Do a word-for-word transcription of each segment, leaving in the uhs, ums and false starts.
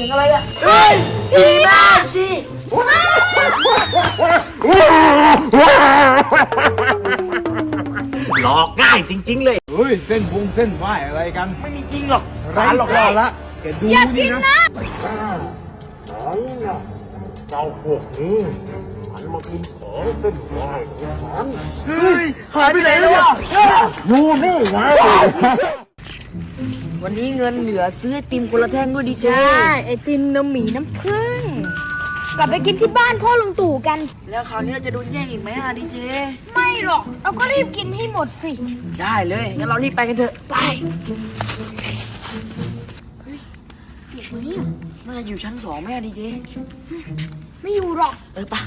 สียงอะไรอ่ะเฮ้ยผีแม่ชีหลอกง่ายจริงๆเลยเฮ้ยเส้นพงเส้นไหวอะไรกันไม่มีจริงหรอกสารหลอกล่อละแกดูนี่นะเจ้าพวกนี้หันมากินของเส้นไหวของฉันเฮ้ยหายไปไหนแล้วอ่ะอยู่นี่ไงวันนี้เงินเหลือซื้อไอติมคนละแท่งด้วยดีเจใช่ไอติมน้ำหมีน้ำผึ้งกลับไปกินที่บ้านพ่อลุงตู่กันแล้วคราวนี้เราจะโดนแย่งอีกไหมอ่ะดีเจไม่หรอกเราก็รีบกินให้หมดสิได้เลยงั้นเรารีบไปกันเถอะไปเฮ้ยอยู่ไหมอ่ะน่าจะอยู่ชั้นสองแม่ดีเจไม่อยู่หรอกเออปะ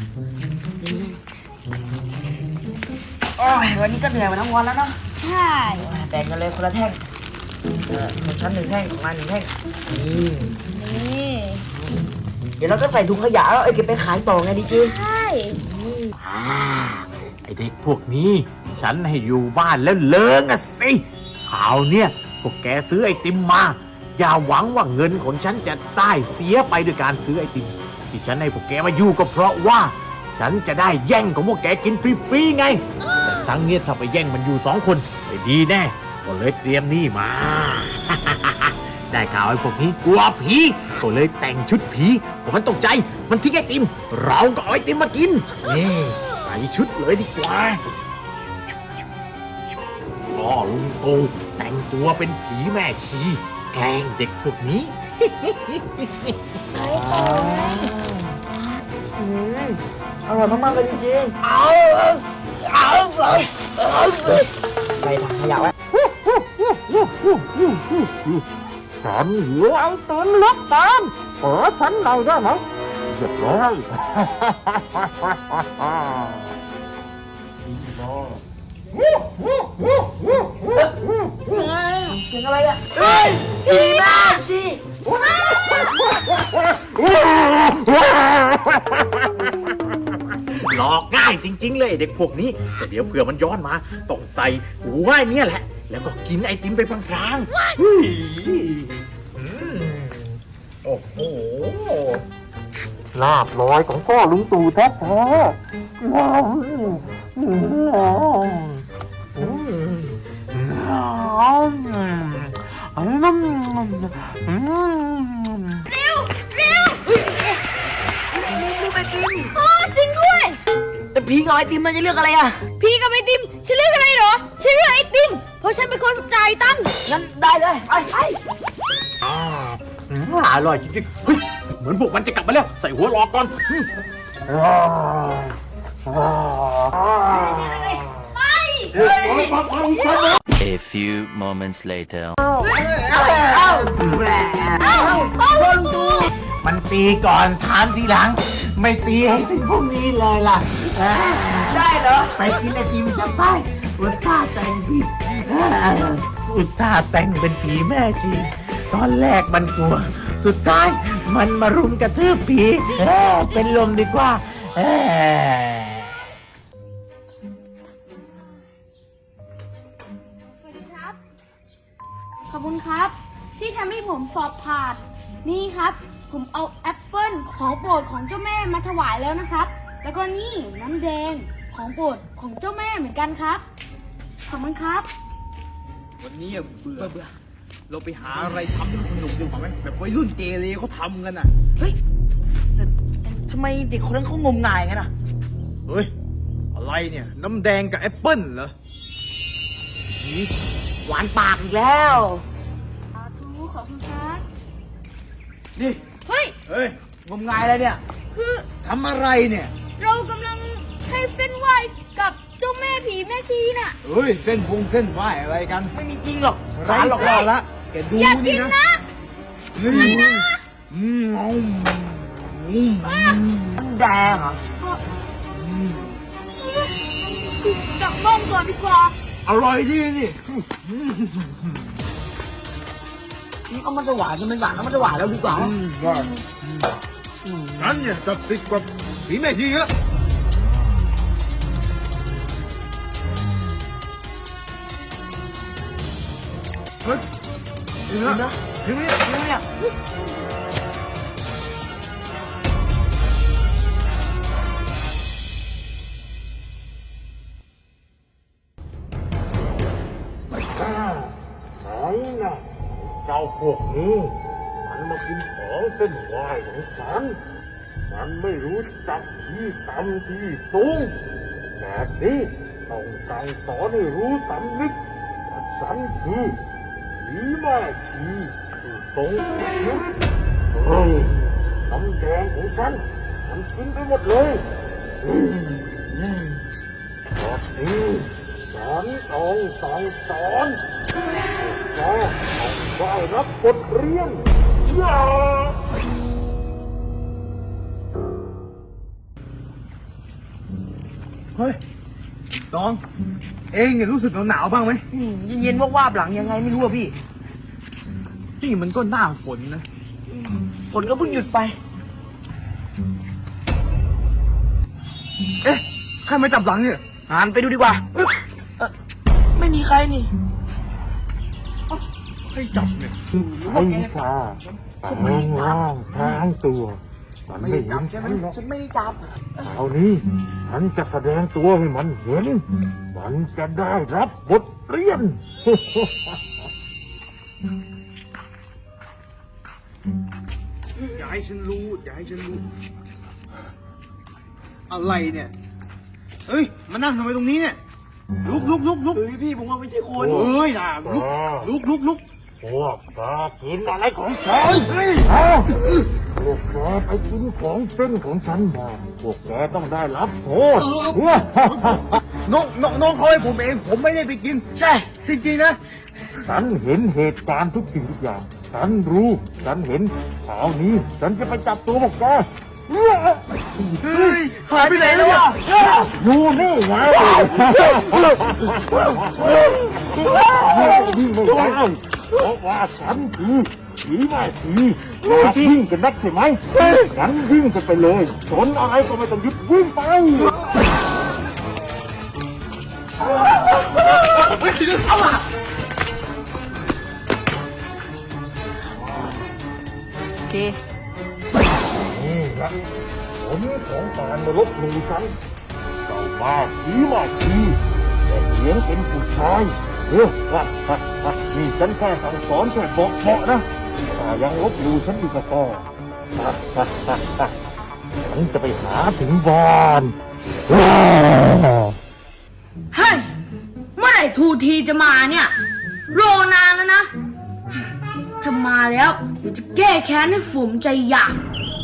โอ้ยวันนี้ก็เหนื่อยมาทั้งวันแล้วเนาะใช่แบ่งกันเลยคนละแท่งเออชั้นหนึ่งแท่งของมันหนึ่งแท่งนี่นี่เดี๋ยวเราก็ใส่ถุงขยะแล้วเอาเก็บไปขายต่อไงดิจิใช่ไอเด็กพวกนี้ฉันให้อยู่บ้านแล้วเลิงอะสิข่าวเนี่ยพวกแกซื้อไอติมมาอย่าหวังว่าเงินของฉันจะได้เสียไปด้วยการซื้อไอติมที่ฉันให้พวกแกมาอยู่ก็เพราะว่าฉันจะได้แย่งของพวกแกกินฟรีๆไงแต่ครั้งนี้ถ้าไปแย่งมันอยู่สองคนไม่ดีแน่ก็เลยเตรียมนี่มา ได้ข่าวไอ้พวกนี้กลัวผีก็เลยแต่งชุดผีพอมันตกใจมันทิ้งไอติมเราก็เอาไอติมมากินนี่ใส่ชุดเลยดีกว่าพ่อลุงตู่แต่งตัวเป็นผีแม่ชีแกล้งเด็กพวกนี้อืมอร่อยมากๆเลยจริงๆเอาเอาเลยใส่ถังขยะไว้ฉันหิวไอติมล็อกตามขอฉันหน่อยได้ไหมเรียบร้อยเสียงอะไรอ่ะเฮ้ยผีแม่ชีหลอกง่ายจริงๆเลยเด็กพวกนี้แต่เดี๋ยวเผื่อมันย้อนมาต้องใส่หัวไอ้เนี่ยแหละแล้วก็กินไอติมไปพลางๆโอ้โหลาบลอยของพ่อลุงตู่แท้ๆเร็วเร็วลูกไอติมโอ้จริงด้วยแต่ผีกับไอติมมันจะเลือกอะไรอ่ะพี่กับไอติมฉันเลือกอะไรเหรอฉันเลือกไอติมเพราะฉันเป็นคนจ่ายตังค์งั้นได้เลยไปไปอร่อยจริงๆเฮ้ยเหมือนพวกมันจะกลับมาแล้วใส่หัวรอก่อนไป A few moments later เอ้าเอ้าพ่อลุงตู่มันตีก่อนถามทีหลังไม่ตีให้ถึงพวกนี้เลยล่ะได้เหรอไปกินไอติมจะไปอุตส่าห์แต่งผีอุตส่าห์แต่งเป็นผีแม่ชีตอนแรกมันกลัวสุดท้ายมันมารุมกระทืบผีเป็นลมดีกว่าสวัสดีครับขอบคุณครับที่ทำให้ผมสอบผ่านนี่ครับผมเอาแอปเปิ้ลของโปรดของเจ้าแม่มาถวายแล้วนะครับแล้วก็นี่น้ำแดงของโปรดของเจ้าแม่เหมือนกันครับขอบคุณครับวันนี้เบื่อเบื่อเราไปหาอะไรทำที่สนุกดีกว่าไหมแบบวัยรุ่นเกเรเขาทำกันอ่ะเฮ้ยแต่ทำไมเด็กคนนั้นเขางมงายกันอ่ะเฮ้ยอะไรเนี่ยน้ำแดงกับแอปเปิ้ลเหรอหวานปากอีกแล้วสาธุขอบคุณครับนี่เฮ้ยเฮ้ยงมงายอะไรเนี่ยคือทำอะไรเนี่ยเรากำลังให้เส้นไหว้กับเจ้าแม่ผีแม่ชีน่ะเฮ้ยเส้นพงเส้นไหวอะไรกันไม่มีจริงหรอกสารหลอกล่อละแกดูอย่ากินี่นนะนะไม่นะอืมอืมมันแดงเหรอจับบ้องก่อนดีกว่าอร่อยดีนี่นี่เอามันจะหวานจะไม่หวานเอามันจะหวานแล้วดีกว่าฉันเนี่ยจะติดกว่าผีแม่ชีเยอะเฮ้ยถึงแล้วถึงแล้วถึงแล้วพวกนี้มันมากินของเส้นไหวของฉันมันไม่รู้จักที่ต่ำที่สูงแบบนี้ต้องสั่งสอนให้รู้สำนึกว่าฉันคือผีแม่ชีผู้ทรงคุณวุฒิเฮ้ยน้ำแดงของฉันมันกินไปหมดเลยอืมอืมตอนนี้ฉันต้องสั่งสอนแกต้องได้รับบทเรียนอย่าเฮ้ยตอง เองเนี่ยรู้สึกหนาวๆบ้างไหมอืมเย็นๆวาบๆหลังยังไงไม่รู้อะพี่นี่มันก็หน้าฝนนะฝนก็เพิ่งหยุดไปเอ๊ะใครมาจับหลังเนี่ยหันไปดูดีกว่าเอ๊ะเอ่อไม่มีใครนี่ใครจับเนี่ยใช้วิชาแปลงร่างพรางตัวมันไม่เห็นฉันหรอกฉันไม่ได้จับคราวนี้ฉันจะแสดงตัวให้มันเห็น มันจะได้รับบทเรียนอย่าให้ฉันรู้อย่าให้ฉันรู้ อะไรเนี่ยเอ้ยมานั่งทำไมตรงนี้เนี่ยลุกลุกลุกลุกเฮ้ยพี่ผมว่าไม่ใช่คนเอ้ยนะลุกลุกลุกลุกพวกแกกินอะไรของฉันฮะพวกแกไปกินของเส้นของฉันมาพวกแกต้องได้รับโทษน้องน้องน้องเขาให้ผมเอง ผมไม่ได้ไปกินใช่จริงๆนะฉันเห็นเหตุการณ์ทุกสิ่งทุกอย่าง ฉันรู้ ฉันเห็นคราวนี้ ฉันจะไปจับตัวพวกแกเฮ้ยหายไปไหนแล้วอ่ะอยู่นี่ไงวิ่งไม่ได้เพราะว่าฉันคือผีแม่ผีอยากวิ่งกันนักใช่ไหมงั้นวิ่งกันไปเลยสนอะไรก็ไม่ต้องหยุดวิ่งไปโอเคนี่แหละผลของการมาลบหลู่ฉันเจ้าบ้าผีมาผีแต่เลี้ยงเป็นผู้ชายเฮ้ยฮะฮะฮะนี่ฉันแค่สั่งสอนแค่บอกเหมาะนะถ้ายังลบหลู่ฉันอีกก็พอฮะฮะฮะฮะฉันจะไปหาถึงบ้านว้าวเฮ้ย เมื่อไหร่ทูทีจะมาเนี่ย รอนานแล้วนะ ถ้ามาแล้วเดี๋ยวจะแก้แค้นให้ฝูมใจอยาก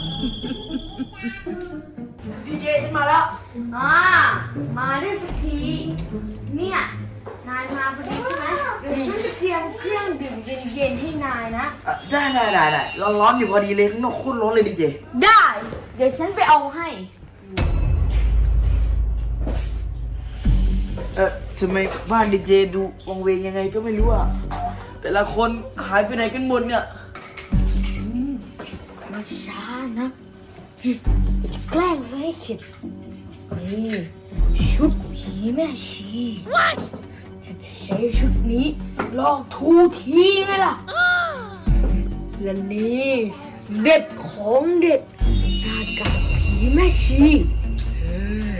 พี่เจฉันมาแล้วอ่ามาได้สักที เนี่ย นายมาพอดีใช่ไหมเดี๋ยวฉันจะเตรียมเครื่องดื่มเย็นๆให้นายนะอ่ะได้ได้ได้ได้ร้อนๆอยู่พอดีเลยข้างนอกโคตรร้อนเลยดีเจได้ เดี๋ยวฉันไปเอาให้เออทำไมบ้านดีเจดูวังเวงยังไงก็ไม่รู้อ่ะ แต่ละคนหายไปไหนกันหมดเนี่ยไม่ช้านะหึจะแกล้งซะให้เข็ดนี่ชุดผีแม่ชีฉันจะใช้ชุดนี้ลอกทูทีไงล่ะ และนี่เด็ดของเด็ดหน้ากากผีแม่ชีเออ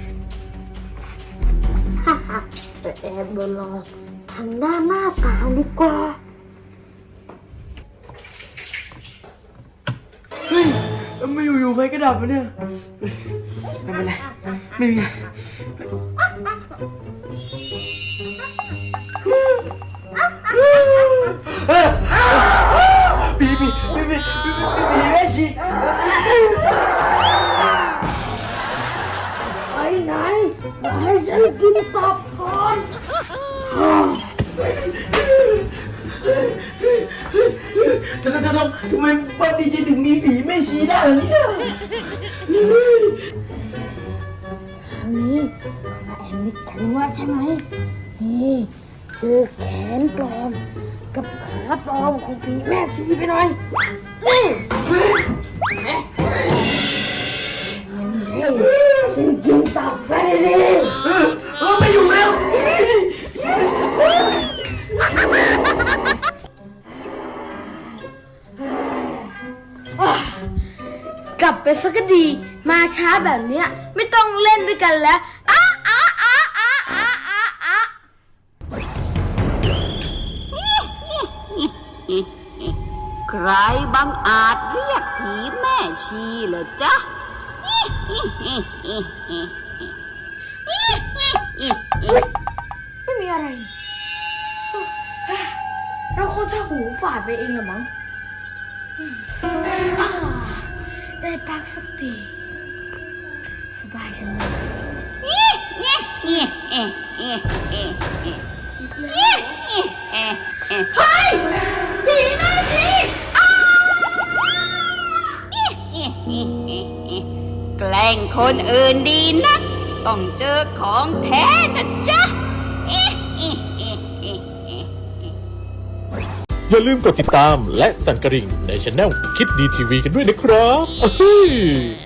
ฮ่าฮ่าแต่แอบโดนหลอกทำหน้าหน้าตาดีกว่าเฮ้ยทำไมอยู่ๆไฟก็ดับวะเนี่ย ไม่เป็นไร ไม่มีผีผีผีผีผีผีแม่ชีไปไหนมาให้ฉันกินตับก่อนทำไมทำทำไมบ้านดีเจถึงมีผีแม่ชีได้ล่ะเนี่ยอันนี้ข้าแอบนึกถึงว่าใช่ไหมนี่เจอแขนปลอมกับขาปลอมของผีแม่ชีไปหน่อยนี่เฮ้ยฉันกินตับซะดีเออไม่อยู่แล้วๆกลับไปสักก็ดี มาช้าแบบเนี้ยไม่ต้องเล่นด้วยกันแล้วอ้าอ้าอ้าอ้าอ้าอ้าอ้ารบังอาจเรียกผีแม่ชีเหรอจ๊ะไม่มีอะไร เราคงจะหูฝาดไปเองเหรอมั้งอ่าได้พักสักทีสบายจังเลยเฮ้ยผีแม่ชีแกล้งคนอื่นดีนะต้องเจอของแท้นะจ๊ะอย่าลืมกดติดตามและสั่นกระดิ่งในช anel คิดดีทีวีกันด้วยนะครับ